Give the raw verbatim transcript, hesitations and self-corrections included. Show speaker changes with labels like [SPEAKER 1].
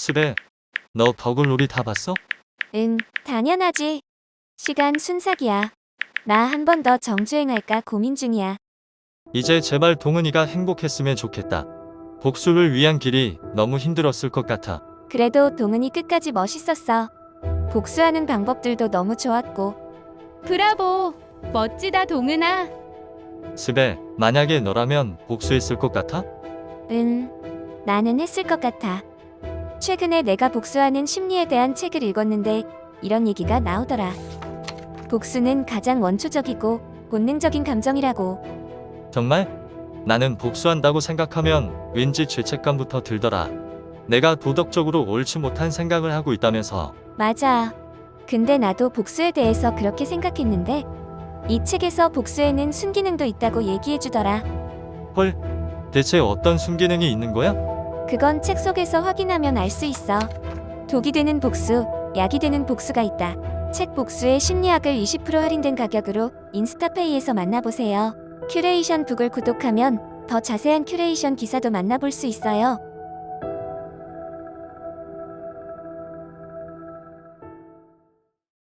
[SPEAKER 1] 스베, 너 버글놀이 다 봤어?
[SPEAKER 2] 응, 당연하지. 시간 순삭이야. 나 한 번 더 정주행할까 고민 중이야.
[SPEAKER 1] 이제 제발 동은이가 행복했으면 좋겠다. 복수를 위한 길이 너무 힘들었을 것 같아.
[SPEAKER 2] 그래도 동은이 끝까지 멋있었어. 복수하는 방법들도 너무 좋았고.
[SPEAKER 3] 브라보! 멋지다, 동은아.
[SPEAKER 1] 스베, 만약에 너라면 복수했을 것 같아?
[SPEAKER 2] 응, 나는 했을 것 같아. 최근에 내가 복수하는 심리에 대한 책을 읽었는데 이런 얘기가 나오더라. 복수는 가장 원초적이고 본능적인 감정이라고.
[SPEAKER 1] 정말? 나는 복수한다고 생각하면 왠지 죄책감부터 들더라. 내가 도덕적으로 옳지 못한 생각을 하고 있다면서.
[SPEAKER 2] 맞아. 근데 나도 복수에 대해서 그렇게 생각했는데 이 책에서 복수에는 순기능도 있다고 얘기해주더라.
[SPEAKER 1] 헐, 대체 어떤 순기능이 있는 거야?
[SPEAKER 2] 그건 책 속에서 확인하면 알 수 있어. 독이 되는 복수, 약이 되는 복수가 있다. 책 복수의 심리학을 이십 퍼센트 할인된 가격으로 인스타페이에서 만나보세요. 큐레이션 북을 구독하면 더 자세한 큐레이션 기사도 만나볼 수 있어요.